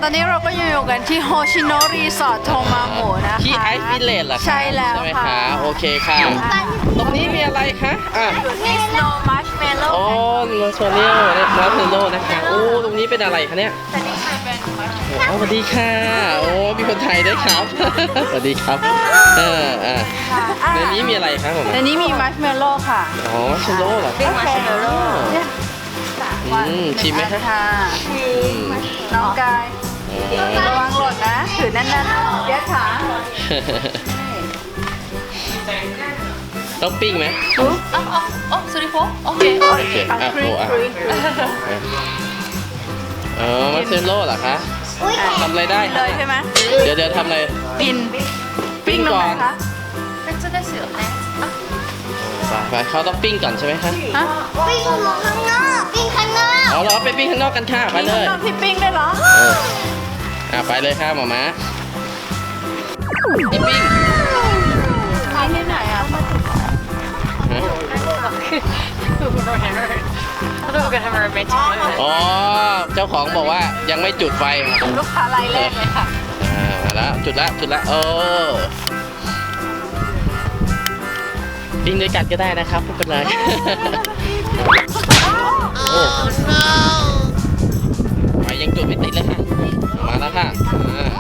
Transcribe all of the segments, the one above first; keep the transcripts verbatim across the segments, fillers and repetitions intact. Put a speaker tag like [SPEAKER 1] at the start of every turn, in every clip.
[SPEAKER 1] อนนี้เราก็อยู่กันที่โฮชิโนะรีสอร์ทโทมาโมะนะคะ
[SPEAKER 2] ที่ไอซ์วิลเลจเหรอคะ
[SPEAKER 1] ใช่แล้ว
[SPEAKER 2] ใช่ไหม
[SPEAKER 1] ค่ะ
[SPEAKER 2] คะโอเคค่ะตรงนี้มีอะไรคะอ่ะ
[SPEAKER 1] มีสโนว์มัชเมลโล่
[SPEAKER 2] อ๋อมาโซเนียลนะมาเทโลนะคะโอ้ตรงนี้เป็นอะไรคะเนี่ย
[SPEAKER 1] แต่นี่เป็นมัช
[SPEAKER 2] อ๋อสวัสดีค่ะโอ้มีคนไทยด้วยครับ สวัสดีครับเอออ่ะในนี้มีอะไรครับผม
[SPEAKER 1] ในนี้มีมัชเมลโล่ค่ะ
[SPEAKER 2] อ๋อมาเทโลเหรอ
[SPEAKER 1] เป็นมัชเมลโล่
[SPEAKER 2] อืมชิมไหมคะ
[SPEAKER 1] ค่ะ
[SPEAKER 2] อืม
[SPEAKER 1] น้องกาย
[SPEAKER 2] อ๋อ
[SPEAKER 1] ระวังหล่นนะถือแน่นๆเย็ดขา
[SPEAKER 2] ต้องปิ้งไหม
[SPEAKER 1] อุ๊ย
[SPEAKER 3] Oh, oh, oh, sorry for? Okay.
[SPEAKER 2] โอเค
[SPEAKER 1] อ่ะ
[SPEAKER 2] อ่ะ
[SPEAKER 1] ฟรี
[SPEAKER 2] โอ้อ่ะ
[SPEAKER 1] ฟรี
[SPEAKER 2] เออมาเทโลเหรอคะทำอะไรได้
[SPEAKER 1] เล
[SPEAKER 2] คะ
[SPEAKER 1] ยใช่ไหม
[SPEAKER 2] เดี๋ยวเดี๋ยวทำอะไร
[SPEAKER 1] ปินปิ้งตรงไหนคะ
[SPEAKER 3] めっちゃですよね。
[SPEAKER 2] ไปไปเขาต้องปิ้งก่อนใช่ไหมคะ
[SPEAKER 1] ฮะ
[SPEAKER 4] ปิ้งข้างนอกปิ้งข้างนอก
[SPEAKER 2] เอาเราไปปิ้งข้างนอกกันค่ะไปเลย
[SPEAKER 1] มีข้างนอกที่ปิ้งได้เหรอ
[SPEAKER 2] เอออ่ะไปเลยค่ะหมอม้าปิ้งปิ้ง
[SPEAKER 1] ขายที่ไหนอ่ะ
[SPEAKER 2] ฮะ
[SPEAKER 3] I don't get him a romantic moment.
[SPEAKER 2] อ๋อเจ้าของบอกว่ายังไม่จุดไฟค่ะ
[SPEAKER 1] ลูกค้ารายแรกเลยค่ะ
[SPEAKER 2] อ่ามาแล้วจุดละจุดละโอ้ปิ้งด้วยกันก็ได้นะครับไม่เป็นไรโอ้ไฟยังจุดไม่ติดเลยค่ะมาแล้วค่ะอ่า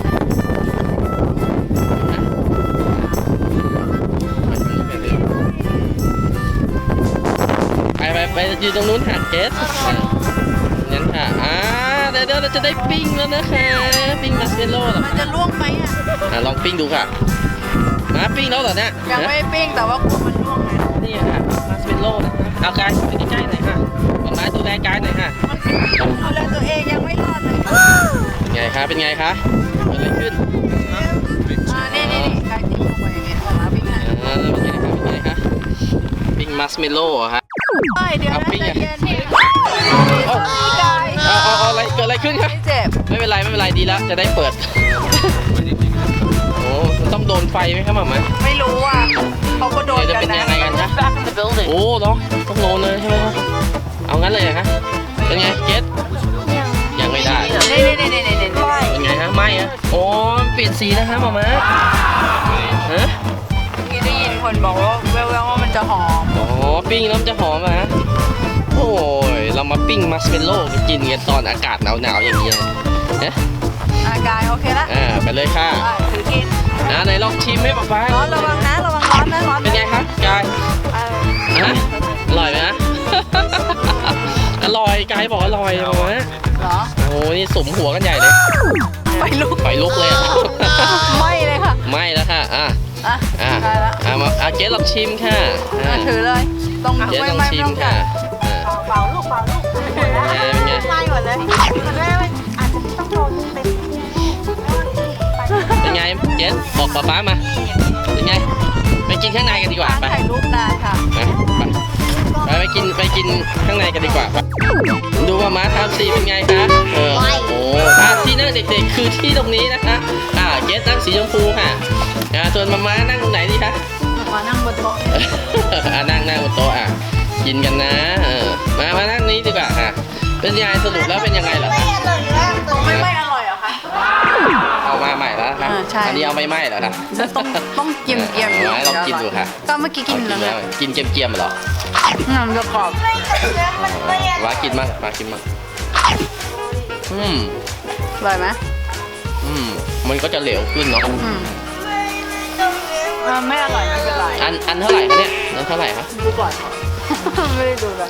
[SPEAKER 2] ไปไปไปยืนตรงนู้นค่ะเกสงั้นค่ะอ่าเดี๋ยวเดี๋ยวเราจะได้ปิ้งแล้วนะคะปิ้งมัสเมลโล่เหรอ
[SPEAKER 1] มันจะล่วงไหมอ่ะ
[SPEAKER 2] อ่ะลองปิ้งดูค่ะมาปิ้งแล้วเหรอเนี่ย
[SPEAKER 1] ยังไม่ปิ้งแต่ว่ากลัวมันล่วงไง
[SPEAKER 2] นี่ค่ะมัสเมลโล่นะคะเอากายไปใกล้ๆหน่อยค่ะมามาดูแลกายหน่อยค่ะ
[SPEAKER 1] ดูแลตัวเองยังไม่รอดเลย
[SPEAKER 2] เป็นไงคะเป็นไงคะเกิดอะไรขึ้น
[SPEAKER 1] อ่านี่นี่นี่กายติ้งลงไปอย่างเงี้ยออกมาปิ้งไง
[SPEAKER 2] อ่าเป็นไงคะเป็นไงคะปิ้งมัสเมลโล่เหรอฮะ
[SPEAKER 1] เฮ้ยเดี๋ยว
[SPEAKER 2] เอา
[SPEAKER 1] นะ
[SPEAKER 2] ปิ้ง
[SPEAKER 1] ใจ
[SPEAKER 2] อ่ะ
[SPEAKER 1] เย็นนี่
[SPEAKER 2] เอ้า
[SPEAKER 1] กาย
[SPEAKER 2] เอาเอาเอาอะไรเกิดอะไรขึ้นคะ
[SPEAKER 1] ไม่เจ็บ
[SPEAKER 2] ไม่เป็นไรไม่เป็นไรดีแล้วจะได้เปิดโอ้มันต้องโดนไฟไหมครับหมามา
[SPEAKER 1] ไม่รู้อ่ะเขาก็โดน
[SPEAKER 2] เดี๋ยวจะ
[SPEAKER 1] กัน
[SPEAKER 2] เป็น
[SPEAKER 1] นะ
[SPEAKER 2] ยังไงกันคะ
[SPEAKER 3] Back in the building.
[SPEAKER 2] โอ้เนาะต้องโดนเลยใช่ไหมคะเอางั้นเลยเหรอคะเป็นไงเกสยังไม่ได้
[SPEAKER 1] นี่นี่นี่นี่นี่นี่
[SPEAKER 2] เป็นไงฮะไหม้อะโอ้เปลี่ยนสีนะคะหมามาฮะ
[SPEAKER 1] เมื่อกี้ได้ยินคนบอกว่าแววๆว่ามันจะหอม
[SPEAKER 2] อ๋อปิ้งแล้วมันจะหอมอะฮะโอ้ยเรามาปิ้งมัสเมลโล่กินกันตอนอากาศหนาวๆอย่างนี้นะฮะ
[SPEAKER 1] อ่ะกายโอเคละ
[SPEAKER 2] อ่าไปเลยค่ะ
[SPEAKER 1] อ่ะถือกิน
[SPEAKER 2] อ่าไหนลองชิมให้ป๊าป๊า
[SPEAKER 1] ร้อนระวังนะระวังร้อนนะร้อน
[SPEAKER 2] เป็นไงคะกาย
[SPEAKER 1] เออ
[SPEAKER 2] ฮะอร่อยไหมฮะ อร่อยกายบอกอร่อยหมามา
[SPEAKER 1] เหรอ
[SPEAKER 2] โอ้นี่สมหัวกันใหญ่เลย
[SPEAKER 1] ไฟลุก
[SPEAKER 2] ไฟลุกเลยอะ
[SPEAKER 1] ไหม้เลยค่ะ
[SPEAKER 2] ไหม้แล้วค่ะอ่ะ
[SPEAKER 1] อ่ะ
[SPEAKER 2] อ่ะ
[SPEAKER 1] ได้ละ
[SPEAKER 2] อ่ะมาอ่ะเจ๊ลองชิมค่ะอ่ะ
[SPEAKER 1] อ่ะถือเลยตรง
[SPEAKER 2] เจ๊
[SPEAKER 1] ไม่
[SPEAKER 2] ลอง
[SPEAKER 1] ไม่
[SPEAKER 2] ชิ
[SPEAKER 1] ไม่
[SPEAKER 2] ม
[SPEAKER 1] ต้อง
[SPEAKER 2] ค่ะ
[SPEAKER 1] กัด
[SPEAKER 2] อ่ะ
[SPEAKER 1] เป่าลูกเป่าลูก
[SPEAKER 2] อ่ะเป็นไง
[SPEAKER 1] ไหม้หมดเลยมันไม่ไม่อาจจะต้องโดนเต็ม
[SPEAKER 2] เป็นไงเจ๊บอกป๊าป๊ามาเป็นไงไปกินข้างในกันดีกว่า
[SPEAKER 1] การ
[SPEAKER 2] ไป
[SPEAKER 1] ถ่ายรูปนานค่ะ
[SPEAKER 2] ไปไปไปกินไปกินข้างในกันดีกว่าไปดูว่าม้าทำสีเป็นไงคะเออโอ้ถ้าที่นั่งเด็กๆคือที่ตรงนี้นะคะอ่าเจ๊นั่งสีชมพูค่ะอ่าส่วนมาม้านั่งตรงไหนดีคะ
[SPEAKER 1] มานั่งบนโต๊ะ
[SPEAKER 2] อ่านั่งนั่งบนโต๊ะอ่ะกินกันนะเออมามานั่งนี้ดีกว่าค่ะเป็นยังไงสรุปแล้วเป็นยังไงเหรอคะ
[SPEAKER 1] ไม่ไม่อร่อยเหรอคะ
[SPEAKER 2] เอามาใหม่แล้วครับ
[SPEAKER 1] อ่าใช่
[SPEAKER 2] อันนี้เอาไม่ไหม้เหรอคะ
[SPEAKER 1] ต้องต้องเกียมเกียม
[SPEAKER 2] เอาไว้ลองกินดูค่ะ
[SPEAKER 1] ก็เมื่อกี้กินแล้วนะ
[SPEAKER 2] กินเกียมๆเหรอ
[SPEAKER 1] อืมจะกรอบ
[SPEAKER 2] มากินมั่งมากินมั่งอืม
[SPEAKER 1] อร่อยไหม
[SPEAKER 2] อืมมันก็จะเหลวขึ้นเนาะ
[SPEAKER 1] อืมเออไม่อร่อยไม่เป็นไร
[SPEAKER 2] อันอันเท่าไหร่คะเนี่ยอันเท่าไหร่คะ
[SPEAKER 1] ดูก่อน ไม่ได้ดูเลย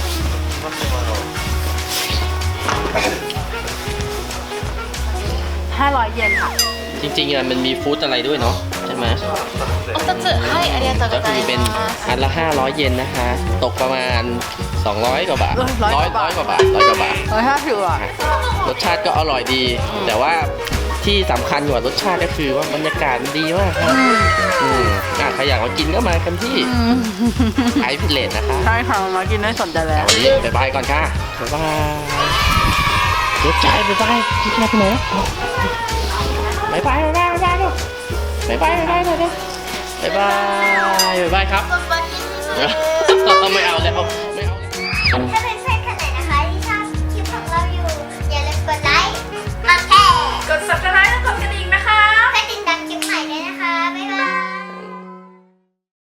[SPEAKER 1] ห้าร้อยเยนค่ะ
[SPEAKER 2] จริงๆอ่ะมันมีฟู้ดอะไรด้วยเนาะใช่ไหม
[SPEAKER 3] お二つ、はい、ありがとう
[SPEAKER 2] ก็
[SPEAKER 3] ござ
[SPEAKER 2] คื
[SPEAKER 3] い
[SPEAKER 2] อเป็น
[SPEAKER 3] ます。
[SPEAKER 2] อันละห้าร้อยเยนนะคะ ตกประมาณสองร้อยกว่าบาท
[SPEAKER 1] ร้
[SPEAKER 2] ร้
[SPEAKER 1] อ
[SPEAKER 2] อย ย
[SPEAKER 1] กว่า
[SPEAKER 2] ร้
[SPEAKER 1] บาท
[SPEAKER 2] อยกว่าบาทร้อยกว่าบาท
[SPEAKER 1] ร้อยห้าสิบอ่ะ
[SPEAKER 2] รสชาติก็อร่อยดี แต่ว่าที่สำคัญกว่ารสชาติก็คือว่าบรรยากาศมันดีมากครับอืมอ่ะใครอยากมากินก็มากันที่ไอพิเลตนะคะ
[SPEAKER 1] ใช่ค่ะมากินได้สนใจแล้ว
[SPEAKER 2] วันนี้บ๊ายบายก่อนค่ะบ๊ายบายรถใจบ๊ายบายพี่แค่ไปไหนบ๊ายบายบ๊ายบายบ๊ายบายลูกบ๊ายบายบ๊ายบายหน่อยดิบ๊ายบายบ๊ายบายครับ ไม่เอาแล้วไม่เอาแล้ว